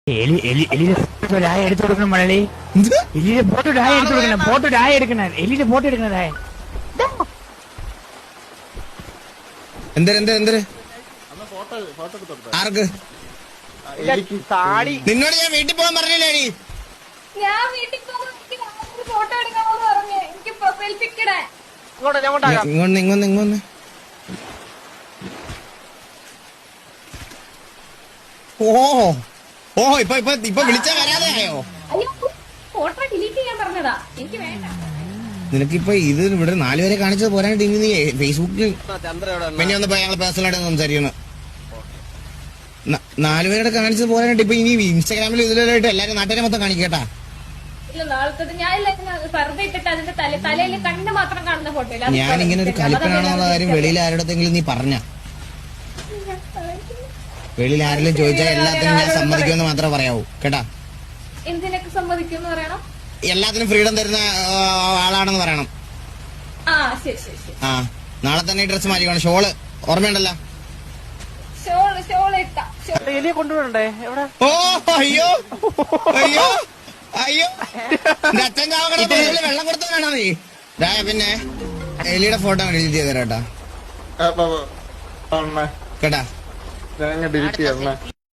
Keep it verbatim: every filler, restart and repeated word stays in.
എലി എലി എലിയുടെ ഡായ എടുത്തു കൊടുക്കണം മഴലി. എലിയുടെ ഫോട്ടോ ഡായ എടുത്തു കൊടുക്കണം. ഫോട്ടോ ഡായ എടുക്കണ എലിയുടെ ഫോട്ടോ എടുക്കണ ഡായ. എന്തര് എന്തര് എന്തര് ആർക്ക് നിന്നോട് ഞാൻ വീട്ടിൽ പോകാൻ പറഞ്ഞില്ലേ? ഞാൻ വീട്ടിൽ ഫോട്ടോ എടുക്കാമെന്ന് പറഞ്ഞു. എനിക്ക് പ്രൊഫൈൽ പിക്ക് ഇടാൻ. ഇങ്ങോന്ന് ഇങ്ങോന്ന് ഇങ്ങോന്ന് ഓ ഓ ഇപ്പൊ ഇപ്പൊ ഇപ്പൊ വിളിച്ചാ വരാതെ ആയോ? അയ്യോ, ഫോട്ടോ ഡിലീറ്റ് ചെയ്യാൻ പറഞ്ഞതാ. എനിക്ക് വേണ്ട. നിനക്കിപ്പൊ ഇത് ഇവിടെ നാലുപേരെ കാണിച്ചത് പോരാണ്ട് ഇനി നീ ഫേസ്ബുക്കിൽ പിന്നെ ഒന്ന് ഞങ്ങൾ പേഴ്സണലായിട്ട് സംസാരിക്കുന്നു. നാലുപേരുടെ കാണിച്ചത് പോരാണ്ട് ഇപ്പൊ ഇനി ഇൻസ്റ്റാഗ്രാമിൽ ഇതിലായിട്ട് എല്ലാരും നാട്ടുകാരെ മൊത്തം കാണിക്കട്ടാ. ഇല്ല, നാളത്തെ ഞാൻ വെറുതെ ഇട്ടിട്ട് അതിന്റെ തല തലയിൽ കണ്ണ് മാത്രം കാണുന്ന ഫോട്ടോ. ഞാൻ ഇങ്ങനെ ഒരു കലിപ്പനാണെന്നുള്ള കാര്യം വെളിയിൽ ആരുടെങ്കിലും നീ പറഞ്ഞ വെളിയിൽ ആരെങ്കിലും ചോദിച്ചാൽ എല്ലാത്തിനും ഞാൻ സമ്മതിക്കുമെന്ന് മാത്രമേ പറയാവൂ കേട്ടാ. എന്തിനൊക്കെ സമ്മതിക്കുമെന്ന് പറയണം? എല്ലാത്തിനും ഫ്രീഡം തരുന്ന ആളാണെന്ന് പറയണം. ആ ശരി ശരി ശരി. ആ നാളെ തന്നെ ഡ്രസ് മാറ്റിക്കണം. ഷോള് ഓർമ്മയുണ്ടല്ലോ? ഷോള് ഷോള് ഇട്ടാ എലിയെ കൊണ്ടുപോകണ്ടേ? എവിടെ? ഓ അയ്യോ അയ്യോ അയ്യോ അച്ഛൻ ചാവക്കട വെള്ളം കൊടുത്ത വേണോ നീ? പിന്നെ എലിയുടെ ഫോട്ടോ ഡിലീറ്റ് ചെയ്തേരാ കേട്ടാ. കേട്ടാ. ഡിലീറ്റ് ചെയ്യാം.